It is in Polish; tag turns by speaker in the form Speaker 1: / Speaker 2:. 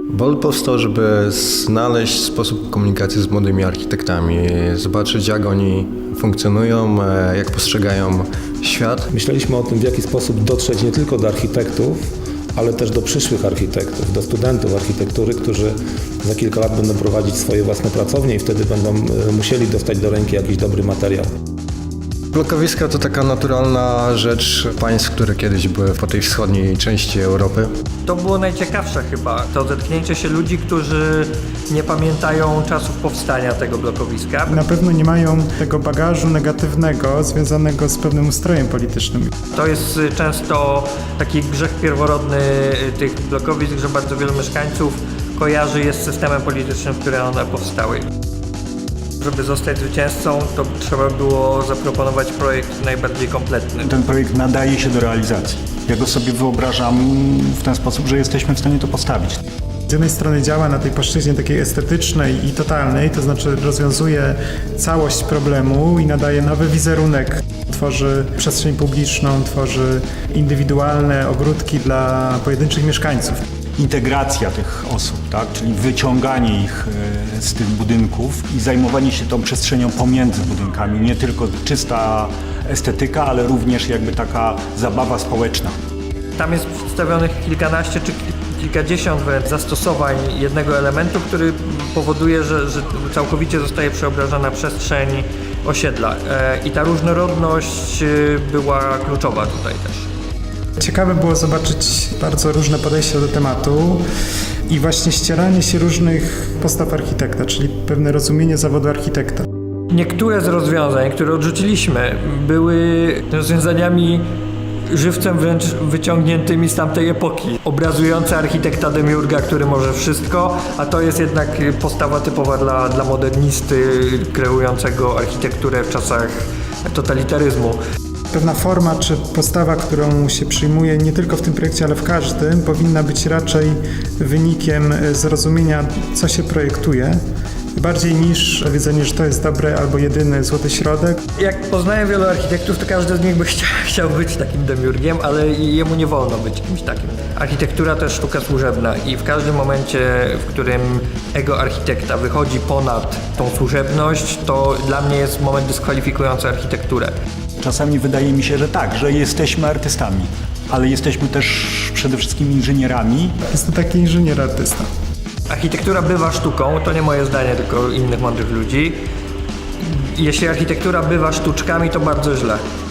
Speaker 1: Bolt powstał, żeby znaleźć sposób komunikacji z młodymi architektami, zobaczyć jak oni funkcjonują, jak postrzegają świat.
Speaker 2: Myśleliśmy o tym, w jaki sposób dotrzeć nie tylko do architektów, ale też do przyszłych architektów, do studentów architektury, którzy za kilka lat będą prowadzić swoje własne pracownie i wtedy będą musieli dostać do ręki jakiś dobry materiał.
Speaker 1: Blokowiska to taka naturalna rzecz państw, które kiedyś były po tej wschodniej części Europy.
Speaker 3: To było najciekawsze chyba, to zetknięcie się ludzi, którzy nie pamiętają czasów powstania tego blokowiska.
Speaker 4: Na pewno nie mają tego bagażu negatywnego związanego z pewnym ustrojem politycznym.
Speaker 3: To jest często taki grzech pierworodny tych blokowisk, że bardzo wielu mieszkańców kojarzy je z systemem politycznym, w którym one powstały. Żeby zostać zwycięzcą, to trzeba było zaproponować projekt najbardziej kompletny.
Speaker 5: Ten projekt nadaje się do realizacji. Ja go sobie wyobrażam w ten sposób, że jesteśmy w stanie to postawić.
Speaker 4: Z jednej strony działa na tej płaszczyźnie takiej estetycznej i totalnej, to znaczy rozwiązuje całość problemu i nadaje nowy wizerunek. Tworzy przestrzeń publiczną, tworzy indywidualne ogródki dla pojedynczych mieszkańców.
Speaker 5: Integracja tych osób, tak? Czyli wyciąganie ich z tych budynków i zajmowanie się tą przestrzenią pomiędzy budynkami. Nie tylko czysta estetyka, ale również jakby taka zabawa społeczna.
Speaker 3: Tam jest przedstawionych kilkanaście czy kilkadziesiąt wręcz zastosowań jednego elementu, który powoduje, że całkowicie zostaje przeobrażona przestrzeń osiedla. I ta różnorodność była kluczowa tutaj też.
Speaker 4: Ciekawe było zobaczyć bardzo różne podejścia do tematu i właśnie ścieranie się różnych postaw architekta, czyli pewne rozumienie zawodu architekta.
Speaker 3: Niektóre z rozwiązań, które odrzuciliśmy, były rozwiązaniami żywcem wręcz wyciągniętymi z tamtej epoki. Obrazujące architekta demiurga, który może wszystko, a to jest jednak postawa typowa dla modernisty kreującego architekturę w czasach totalitaryzmu.
Speaker 4: Pewna forma czy postawa, którą się przyjmuje nie tylko w tym projekcie, ale w każdym, powinna być raczej wynikiem zrozumienia, co się projektuje, bardziej niż powiedzenie, że to jest dobre albo jedyny złoty środek.
Speaker 3: Jak poznaję wielu architektów, to każdy z nich by chciał być takim demiurgiem, ale jemu nie wolno być kimś takim. Architektura to jest sztuka służebna i w każdym momencie, w którym ego architekta wychodzi ponad tą służebność, to dla mnie jest moment dyskwalifikujący architekturę.
Speaker 5: Czasami wydaje mi się, że tak, że jesteśmy artystami, ale jesteśmy też przede wszystkim inżynierami.
Speaker 4: Jest to taki inżynier-artysta.
Speaker 3: Architektura bywa sztuką, to nie moje zdanie, tylko innych mądrych ludzi. Jeśli architektura bywa sztuczkami, to bardzo źle.